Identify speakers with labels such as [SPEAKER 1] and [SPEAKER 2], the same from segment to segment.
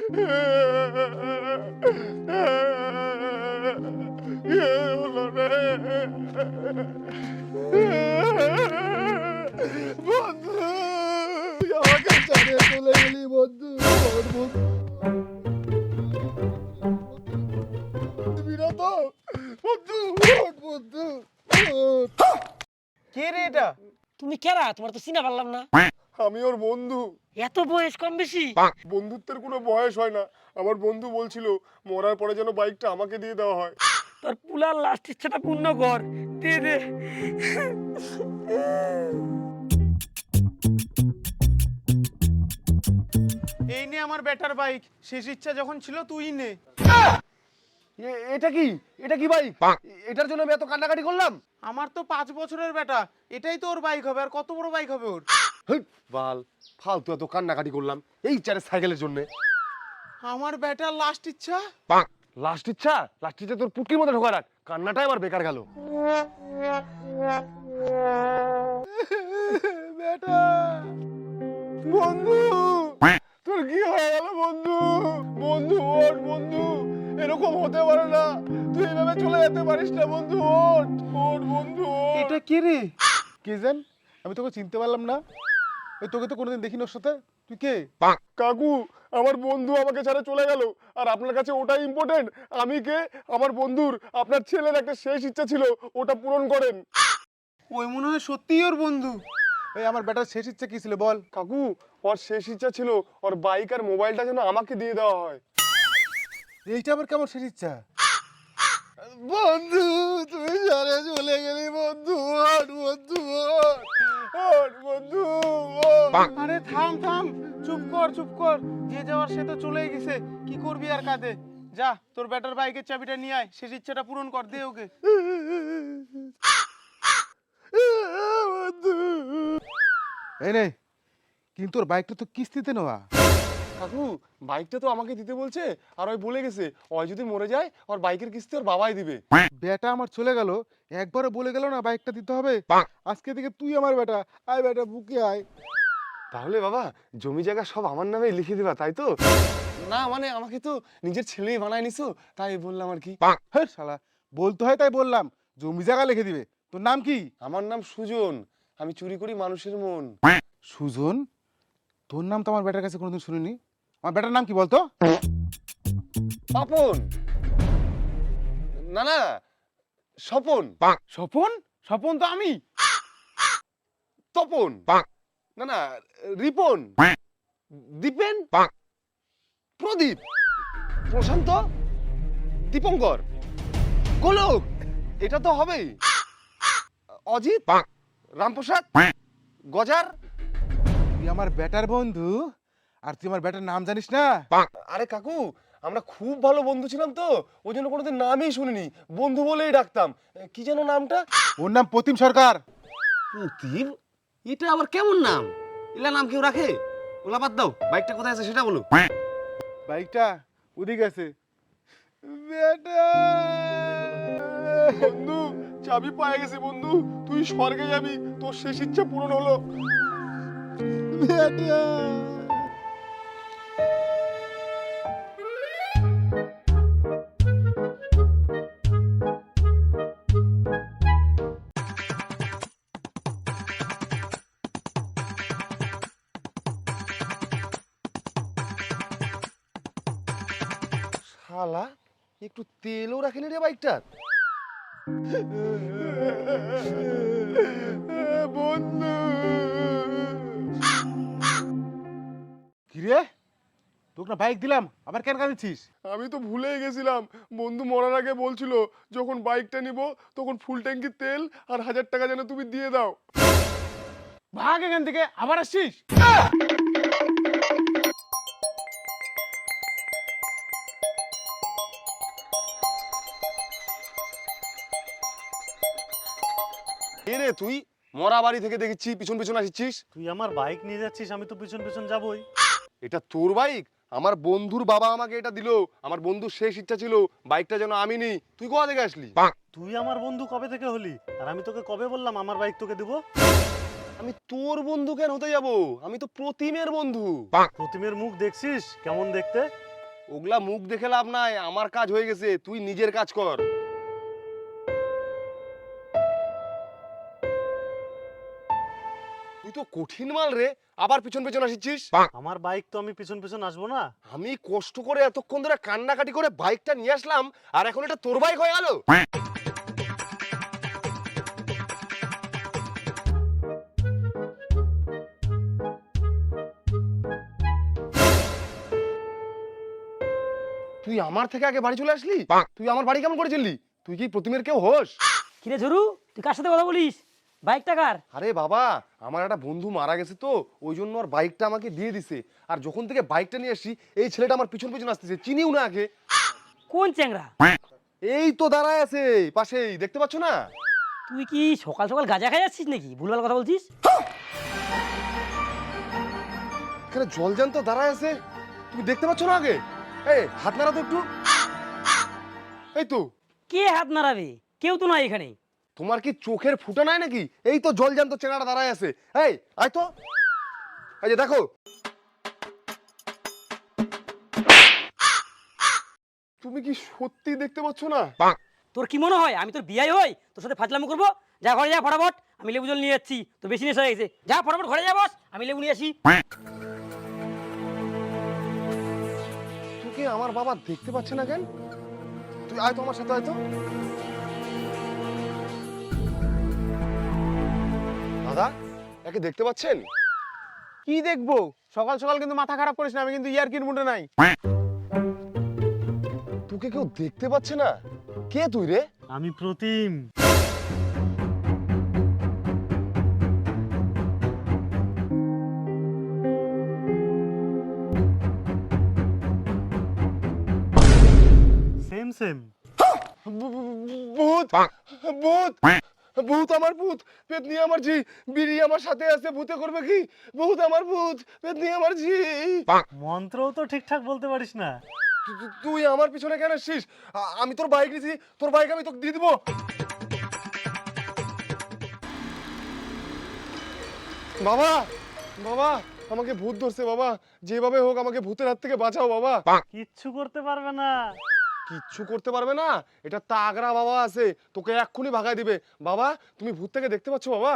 [SPEAKER 1] হলো রে বন্ধু, আমাকে ছেড়ে চলে গেলি বন্ধু। বন্ধু বন্ধু,
[SPEAKER 2] কে রে এটা?
[SPEAKER 3] তুমি কেরা? তোমার তো চিনা পারলাম না।
[SPEAKER 1] আমি ওর বন্ধু।
[SPEAKER 3] এত বয়স কম বেশি?
[SPEAKER 1] বন্ধুত্বের কোনো বয়স হয় না। আমার বন্ধু বলছিল মরার পরে যেন বাইকটা আমাকে দিয়ে দেওয়া হয়।
[SPEAKER 3] তোর পুলার লাস্ট ইচ্ছাটা পূর্ণ কর, দে দে।
[SPEAKER 2] এই নে আমার বেটার বাইক, শেষ ইচ্ছা যখন ছিল তুই নে।
[SPEAKER 1] এটা কি? এটা কি বাইক? এটার জন্য আমি এত কান্নাকাটি করলাম।
[SPEAKER 2] আমার তো 5 বছরের বেটা, এটাই তো ওর বাইক হবে, আর কত বড় বাইক হবে ওর।
[SPEAKER 1] বাল, ফালতু এত কান্নাকাটি করলাম এই চারে সাইকেলের জন্য।
[SPEAKER 2] আমার বেটার লাস্ট ইচ্ছা।
[SPEAKER 1] লাস্ট ইচ্ছা? লাস্ট ইচ্ছা তোর পুটকির মধ্যে ঢোকা রাখ, কান্নাটাই আমার বেকার গেল। বেটা, বন্ধু তোর কি হয়ে গেল বন্ধু? বন্ধু ওঠ বন্ধু, এরকম হতে পারে না, তুই এভাবে চলে যেতে পারিস না বন্ধু। ওঠ ওঠ বন্ধু।
[SPEAKER 2] এটা কে রে?
[SPEAKER 1] কে জান? আমি তোকে চিনতে পারলাম না। তোকে তো কোনোদিন দেখিনি ওর সাথে। তুই কে? কাকু, আমার বন্ধু আমাকে ছেড়ে চলে গেল, আর আপনার কাছে ওটাই ইম্পর্টেন্ট। আমি কে? আমার বন্ধুর, আপনার ছেলের একটা শেষ ইচ্ছা ছিল, ওটা পূরণ করেন।
[SPEAKER 2] ওই মনে হয় সত্যিই ওর বন্ধু।
[SPEAKER 1] এই আমার বেটার শেষ ইচ্ছা কি ছিল বল? কাকু, ওর শেষ ইচ্ছা ছিল ওর বাইক আর মোবাইলটা যেন আমাকে দিয়ে দেওয়া হয়।
[SPEAKER 4] এইটা আবার কেমন শেষ ইচ্ছা?
[SPEAKER 1] বন্ধু তুই জানে চলে গেলি বন্ধু। ওঠ বন্ধু, ওঠ বন্ধু।
[SPEAKER 2] আরে থাম থাম, চুপ কর চুপ কর, যে যাওয়ার সে তো চলেই গেছে, কি করবি আর কাঁদে? যা তোর বেটার বাইকের চাবিটা নিয়ে আয়, শেষ ইচ্ছাটা পূরণ কর, দে ওকে।
[SPEAKER 4] এই নে, কিন্তু ওর বাইকটা তো কিস্তিতে নেওয়া।
[SPEAKER 1] কাকু, বাইকটা তো আমাকে দিতে বলছে, আর ওই বলে গেছে ওই যদি মরে যায় ওর বাইকের কিস্তি ওর বাবাই দিবে।
[SPEAKER 4] বেটা আমার চলে গেল, একবারও বলে গেল না বাইকটা দিতে হবে। আজকে থেকে তুই আমার বেটা, আয় বেটা বুকে আয়।
[SPEAKER 1] তাহলে বাবা জমি জায়গা সব আমার নামে লিখে দিবা, তাই তো? না মানে আমাকে তো নিজের ছেলেই বানায় নিছো, তাই বললাম আর কি।
[SPEAKER 4] হ্যাঁ শালা, বলতে হয় তাই বললাম, জমি জায়গা লিখে দিবে। তোর নাম কি?
[SPEAKER 1] আমার নাম সুজন, আমি চুরি করি মানুষের মন।
[SPEAKER 4] সুজন? তোর নাম তো আমার বেটার কাছে কোনোদিন শুনিনি। আমার বেটার নাম কি বলতো?
[SPEAKER 1] পাপন। না না, স্বপন।
[SPEAKER 2] স্বপন? স্বপন তো আমি।
[SPEAKER 1] তপন। না না, রিপন। দীপেন। প্রদীপ। প্রশান্ত। দীপঙ্কর। গোলক। এটা তো হবেই। অজিত। রামপ্রসাদ। গজার।
[SPEAKER 4] তুই আমার বেটার বন্ধু, আর তুই আমার বেটার নাম জানিস না?
[SPEAKER 1] আরে কাকু, আমরা খুব ভালো বন্ধু ছিলাম তো, ওই জন্য কোনোদিন নামই শুনিনি, বন্ধু বলেই ডাকতাম। কি যেন নামটা?
[SPEAKER 4] ওর নাম প্রতিম সরকার।
[SPEAKER 5] প্রতিম? এটা আবার কেমন নাম? এলা নাম কেউ রাখে? ওলা বাদ দাও, বাইকটা কোথায় আছে সেটা বলো।
[SPEAKER 4] বাইকটা ওদিকে আছে। বেটা,
[SPEAKER 1] বন্ধু চাবি পায়ে গেছে বন্ধু, তুই স্বর্গে যাবি, তোর শেষ ইচ্ছা পূরণ হলো।
[SPEAKER 4] বেটা।
[SPEAKER 1] শালা একটু তেলও রাখেনি রে বাইকটা। বন্ধু
[SPEAKER 4] কিরে, তোকে না বাইক দিলাম, আবার কেন কাঁদিছিস?
[SPEAKER 1] আমি তো ভুলেই গেছিলাম, বন্ধু মরার আগে বলছিল যখন বাইকটা নিব তখন ফুল ট্যাঙ্কি তেল আর 1000 টাকা যেন তুমি দিয়ে দাও।
[SPEAKER 2] ভাগ এখান থেকে, আবার আসছিস?
[SPEAKER 1] এ রে তুই, মরা বাড়ি থেকে দেখেছি পিছন পিছন আসছিস।
[SPEAKER 6] তুই আমার বাইক নিয়ে যাচ্ছিস, আমি তো পিছন পিছন যাবই।
[SPEAKER 1] এটা তোর বাইক? আমার বন্ধুর বাবা আমাকে এটা দিল, আমার বন্ধুর শেষ ইচ্ছা ছিল বাইকটা যেন আমি নিই। তুই কোথা থেকে আসলি?
[SPEAKER 6] তুই আমার বন্ধু কবে থেকে হলি? আর আমি তোকে কবে বললাম আমার বাইক তোকে দেবো?
[SPEAKER 1] আমি তোর বন্ধু কেন হতে যাব? আমি তো প্রতিমের বন্ধু।
[SPEAKER 6] প্রতিমের মুখ দেখছিস কেমন দেখতে?
[SPEAKER 1] ওগুলা মুখ দেখে লাভ নাই, আমার কাজ হয়ে গেছে, তুই নিজের কাজ কর। তুই তো কঠিন মাল রে, আবার পিছন পিছন আসিছিস।
[SPEAKER 6] আমার বাইক তো আমি পিছন পিছন আসবো না।
[SPEAKER 1] আমি কষ্ট করে এতক্ষণ ধরে কান্নাকাটি করে বাইকটা নিয়ে আসলাম, আর এখন এটা তোর বাইক হয়ে গেল। তুই আমার থেকে আগে বাড়ি চলে আসলি? তুই আমার বাড়ি কেমন করে চললি? তুই কি প্রতিমের কেউ হোস?
[SPEAKER 3] কিরে ঝরু, তুই কার সাথে কথা বলিস? বাইকটা কার?
[SPEAKER 1] আরে বাবা, আমার একটা বন্ধু মারা গেছে তো, ওই জন্য ওর বাইকটা আমাকে দিয়ে দিছে। আর যখন থেকে বাইকটা নিয়ে আসছি, এই ছেলেটা আমার পিছন পিছন আসতেছে, চিনিও না আগে।
[SPEAKER 3] কোন চ্যাংরা?
[SPEAKER 1] এই তো দাঁড়ায় আছে পাশেই, দেখতে পাচ্ছ না?
[SPEAKER 3] তুই কি সকাল সকাল গাঁজা খাই যাচ্ছিস নাকি? ভুলভাল কথা বলছিস।
[SPEAKER 1] এখানে জলজান্ত দাঁড়ায় আছে, তুমি দেখতে পাচ্ছ না আগে? এই হাত নাড়া তো একটু। এই তো।
[SPEAKER 3] কে হাত নাড়াবে? কেউ তো নাই এখানে।
[SPEAKER 1] তোমার কি চোখের ফুটা নাই নাকি? এই তো জলজান্ত চেনাটা দাঁড়ায় আছে। এই আয় তো, এই যে দেখো। তুমি কি সত্যি দেখতে পাচ্ছ না?
[SPEAKER 3] তোর কি মনে হয় আমি তোর বিয়াই হই তোর সাথে ফাজলামো করবো? যা ঘরে যা ফটাফট, আমি লেবু জল নিয়ে যাচ্ছি, তো বেশি নেশা হয়ে গেছে। যা ফটাফট ঘরে যা বস, আমি লেবু নিয়ে আসি।
[SPEAKER 1] তোকে আমার বাবা দেখতে পাচ্ছে না কেন? তুই আয় তো আমার সাথে, আয় তো। দাদা, একে দেখতে পাচ্ছেন?
[SPEAKER 2] কি দেখবো? সকাল সকাল কিন্তু মাথা খারাপ করিস না, আমি কিন্তু ইয়ার্কির মুডে নাই।
[SPEAKER 1] তোকে কেউ দেখতে পাচ্ছে না? কে তুই রে?
[SPEAKER 6] আমি প্রতিম। Same same.
[SPEAKER 1] ভূত, ভূত, ভূত, আমার ভূত, পেতনি আমার জি, বিড়ি আমার সাথে আছে, ভূতে করবে কি? ভূত আমার ভূত, পেতনি আমার জি।
[SPEAKER 6] মন্ত্রও তো ঠিকঠাক বলতে পারিস না।
[SPEAKER 1] তুই আমার পিছনে কেন আসছিস? আমি তোর বাইক নিছি, তোর বাইক আমি তোকে দিয়ে দিব। বাবা, বাবা, আমাকে ভূত ধরছে বাবা, যেভাবে হোক আমাকে ভূতের হাত থেকে বাঁচাও বাবা।
[SPEAKER 6] কিচ্ছু করতে পারবে না।
[SPEAKER 1] কিচ্ছু করতে পারবে না? এটা তাগড়া বাবা আছে, তোকে এক্ষুনি ভাগায় দিবে। বাবা, তুমি ভূত থেকে দেখতে পাচ্ছ বাবা?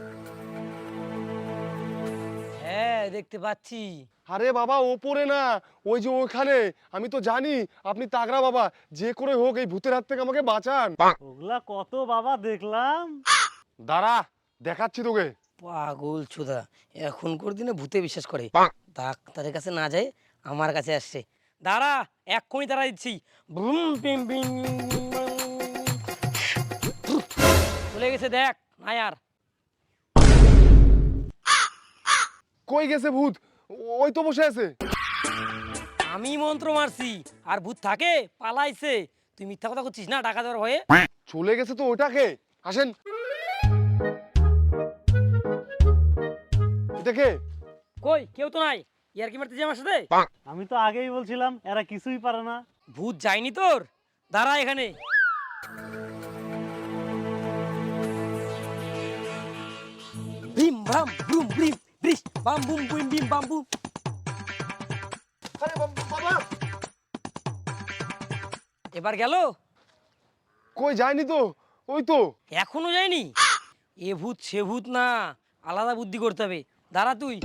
[SPEAKER 3] হ্যাঁ দেখতে পাচ্ছি।
[SPEAKER 1] আরে বাবা, ওপরে না, ওই যে ওখানে। আমি তো জানি আপনি তাগড়া বাবা, যে করে হোক এই ভূতের হাত থেকে আমাকে বাঁচান।
[SPEAKER 6] ওগুলা কত বাবা দেখলাম।
[SPEAKER 1] দাঁড়া, দেখাচ্ছি তোকে।
[SPEAKER 3] পাগল চোদা, এখনকার দিনে ভূতে বিশ্বাস করে। ডাক্তারের কাছে না যায় আমার কাছে আসছে। দাঁড়া, এক্ষুনি তারা দিচ্ছি। ব্রুম, বিম, বিম, চলে গেছে দেখ না আর।
[SPEAKER 1] কই গেছে ভূত? ওই তো বসে আছে।
[SPEAKER 3] আমি মন্ত্র মারছি আর ভূত থাকে পালাইছে। তুই মিথ্যা কথা করছিস না টাকা দেওয়ার ভয়ে?
[SPEAKER 1] চলে গেছে তো ওটাকে। আসেন। দেখে
[SPEAKER 3] কই কেউ তো নাই। ইয়ার কি মারতেছি আমার সাথে?
[SPEAKER 6] আমি তো আগেই বলছিলাম এরা কিছুই পারে না।
[SPEAKER 3] ভূত যায়নি তোর? দাঁড়া এখানে। ভিম ভাম ব্রুম ব্রিম ব্রিস বাম বুম বুম বিম বাম বুম।
[SPEAKER 1] আরে বাবা,
[SPEAKER 3] এবার গেল?
[SPEAKER 1] কই যায়নি তো, ওই তো।
[SPEAKER 3] এখনো যায়নি? এ ভূত সে ভূত না, আলাদা বুদ্ধি করতে হবে। দাঁড়া তুই।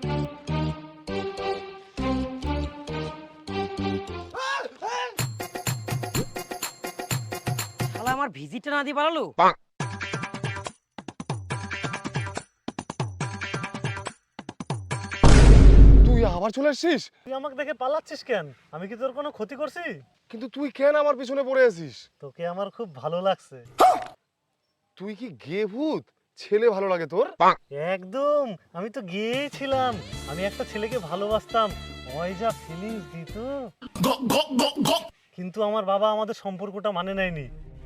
[SPEAKER 3] শালা আমার ভিজিটটা না দিয়ে পালালো।
[SPEAKER 1] তুই আবার চলে আসছিস?
[SPEAKER 6] তুই আমাকে দেখে পালাচ্ছিস কেন? আমি কি তোর কোনো ক্ষতি করছি?
[SPEAKER 1] কিন্তু তুই কেন আমার পিছনে পড়ে আছিস?
[SPEAKER 6] তোকে আমার খুব ভালো লাগছে।
[SPEAKER 1] তুই কি গে ভূত? ছেলে ভালো লাগে তোর?
[SPEAKER 6] একদম, আমি তো গিয়েছিলাম। আমি একটা ছেলেকে ভালোবাসতাম, ওই যা ফিলিংস দিত। কিন্তু আমার বাবা আমাদের সম্পর্কটা মানে নেয়নি।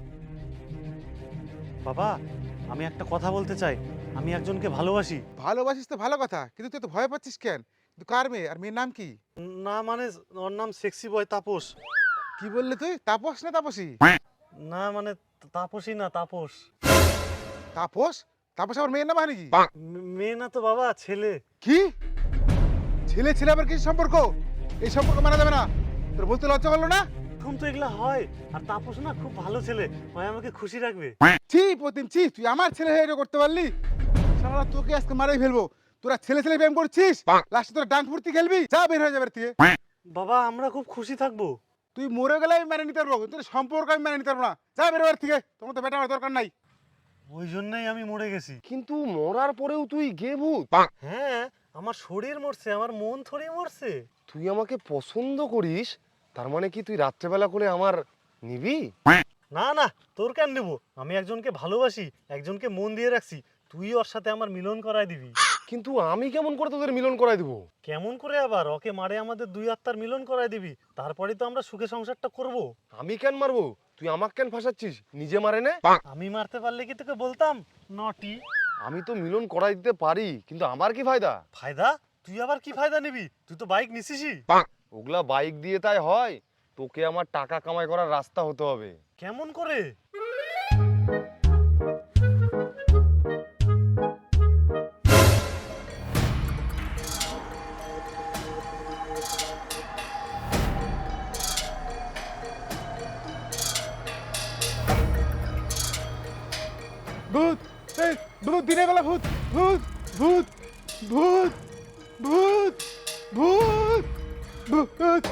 [SPEAKER 6] বাবা, আমি একটা কথা বলতে চাই। আমি একজনকে ভালোবাসি।
[SPEAKER 4] ভালোবাসিস তো ভালো কথা, কিন্তু তুই তো ভয় পাচ্ছিস কেন? কিন্তু কার মেয়ে, আর মেয়ের নাম কি?
[SPEAKER 6] না মানে ওর নাম সেক্সি বয় তাপস।
[SPEAKER 4] কি বললি তুই? তাপস না তাপসী?
[SPEAKER 6] না মানে তাপসী না, তাপস।
[SPEAKER 4] তাপস? তাপস আমার মেয়ের নাম হয় নাকি?
[SPEAKER 6] মেয়ে না তো বাবা, ছেলে।
[SPEAKER 4] কি? ছেলে ছেলে আবার কি সম্পর্ক? এই সম্পর্ক মানা যাবে না। তোর বলতে লজ্জা করলো না?
[SPEAKER 6] এখন তো এগুলা হয়, আর তাপস না খুব ভালো ছেলে, ওই আমাকে খুশি রাখবে।
[SPEAKER 4] ছি প্রতিম ছি, তুই আমার ছেলে হয়ে এটা করতে পারলি? শালা তোকে আজকে মারাই ফেলবো। তোরা ছেলে ছেলে প্রেম করছিস, লাস্টে তোরা ডান্স ফুর্তি খেলবি, যা বের হয়ে যাবে এর থেকে।
[SPEAKER 6] বাবা আমরা খুব খুশি থাকবো।
[SPEAKER 4] তুই মরে গেলে আমি মেনে নিতে পারবো, কিন্তু তোর সম্পর্ক আমি মেনে নিতে পারবো না। যা বের হওয়ার থেকে, তোমার তো বেটা আমার দরকার নাই।
[SPEAKER 6] ওই জন্যই আমি মরে গেছি।
[SPEAKER 5] কিন্তু মরার পরেও তুই গে ভূত?
[SPEAKER 6] হ্যাঁ, আমার শরীর মরছে, আমার মন থরি মরছে।
[SPEAKER 5] তুই আমাকে পছন্দ করিস, তার মানে কি তুই রাত্রেবেলা করে আমার নিবি?
[SPEAKER 6] না না, তোর কেন নেব? আমি একজনকে ভালোবাসি, একজনকে মন দিয়ে রাখছি, তুই ওর সাথে আমার মিলন করায় দিবি।
[SPEAKER 5] কিন্তু আমি কেমন করে তোদের মিলন করাই দিব?
[SPEAKER 6] কেমন করে আবার? ওকে মারে আমাদের দুই আত্মার মিলন করায় দিবি, তারপরে তো আমরা সুখে সংসারটা করব।
[SPEAKER 5] আমি কেন মারবো? তুই আমাকে কেন ফাঁসাচ্ছিস? নিজে মারে নে।
[SPEAKER 6] আমি মারতে পারলে কি তোকে বলতাম নটি?
[SPEAKER 5] আমি তো মিলন করাই দিতে পারি, কিন্তু আমার কি ফায়দা?
[SPEAKER 6] ফায়দা? তুই আবার কি ফায়দা নিবি? তুই তো বাইক নিছিসই।
[SPEAKER 5] ওগুলা বাইক দিয়ে তাই হয়? তোকে আমার টাকা কামাই করার রাস্তা হতে হবে।
[SPEAKER 6] কেমন করে?
[SPEAKER 4] ভূত, এই ভূত, দিনের বেলা ভূত, ভূত, ভূত, ভূত, ভূত, ভূত, ভূত।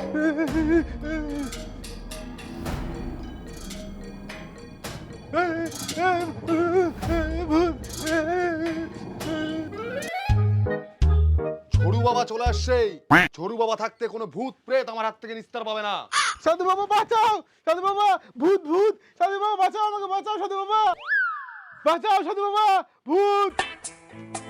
[SPEAKER 1] ঝরু বাবা চলে আসছে। ঝরু বাবা থাকতে কোনো ভূত প্রেত আমার হাত থেকে নিস্তার পাবে না।
[SPEAKER 4] সাধু বাবা বাঁচাও, সাধু বাবা, ভূত ভূত, সাধু বাবা বাঁচাও আমাকে, বাঁচাও সাধু বাবা, বাঁচাও সাধু বাবা, ভূত।